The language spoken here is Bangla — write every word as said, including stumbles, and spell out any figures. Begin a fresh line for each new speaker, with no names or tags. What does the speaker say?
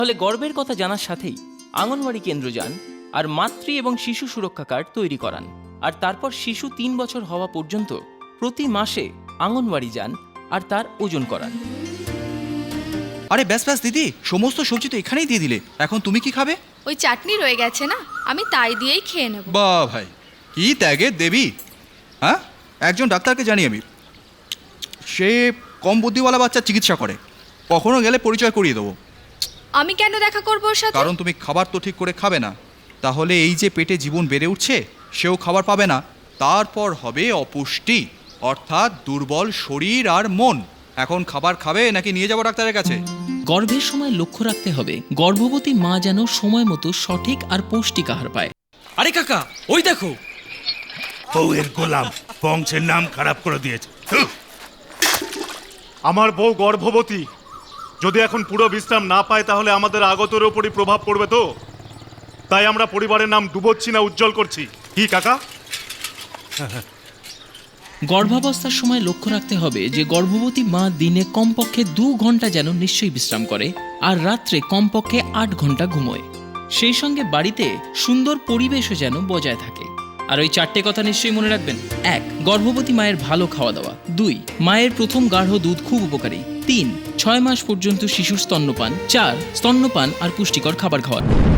তাহলে গর্বের কথা জানার সাথেই আঙ্গনওয়াড়ি কেন্দ্র যান আর মাতৃ এবং শিশু সুরক্ষা কার্ড তৈরি করান। আর তারপর শিশু তিন বছর হওয়া পর্যন্ত প্রতি মাসে আঙ্গনওয়াড়ি যান আর তার ওজন করান।
আরে ব্যাস ব্যাস দিদি, সমস্ত সবজি তো এখানেই দিয়ে দিলে, এখন তুমি কি খাবে?
ওই চাটনি রয়ে গেছে না, আমি তাই দিয়েই খেয়ে নেব।
বাহ ভাই, কি ত্যাগের দেবী! হ্যাঁ, একজন ডাক্তারকে জানি আমি, সে কম বুদ্ধিওয়ালা বাচ্চার চিকিৎসা করে, কখনো গেলে পরিচয় করিয়ে দেবো।
আমি কেন দেখা করবো ওর সাথে?
কারণ তুমি খাবার তো ঠিক করে খাবে না, তাহলে এই যে পেটে জীবন বেড়ে উঠছে সেও খাবার পাবে না, তারপর হবে অপুষ্টি, অর্থাৎ দুর্বল শরীর আর মন। এখন খাবার খাবে নাকি নিয়ে যাবো ডাক্তারের কাছে?
গর্ভের সময় লক্ষ্য রাখতে হবে গর্ভবতী মা যেন সময় মতো সঠিক আর পৌষ্টিক আহার পায়।
আরে কাকা, ওই দেখো,
বউয়ের গোলাম বংশের নাম খারাপ করে দিয়েছে।
আমার বউ গর্ভবতী, যদি এখন পুরো বিশ্রাম না পায় তাহলে আমাদের আগতের ওপরই প্রভাব পড়বে তো, তাই আমরা পরিবারের নাম ডুবোচ্ছি না উজ্জ্বল করছি। কি কাকা?
গর্ভাবস্থার সময় লক্ষ্য রাখতে হবে যে গর্ভবতী মা দিনে কমপক্ষে দু ঘন্টা যেন নিশ্চয়ই বিশ্রাম করে আর রাত্রে কমপক্ষে আট ঘন্টা ঘুমোয়। সেই সঙ্গে বাড়িতে সুন্দর পরিবেশও যেন বজায় থাকে। আর ওই চারটে কথা নিশ্চয়ই মনে রাখবেন। এক, গর্ভবতী মায়ের ভালো খাওয়া দাওয়া। দুই, মায়ের প্রথম গাঢ় দুধ খুব উপকারী। তিন, ছয় মাস পর্যন্ত শিশুর স্তন্যপান। চার, স্তন্যপান আর পুষ্টিকর খাবার খাওয়া।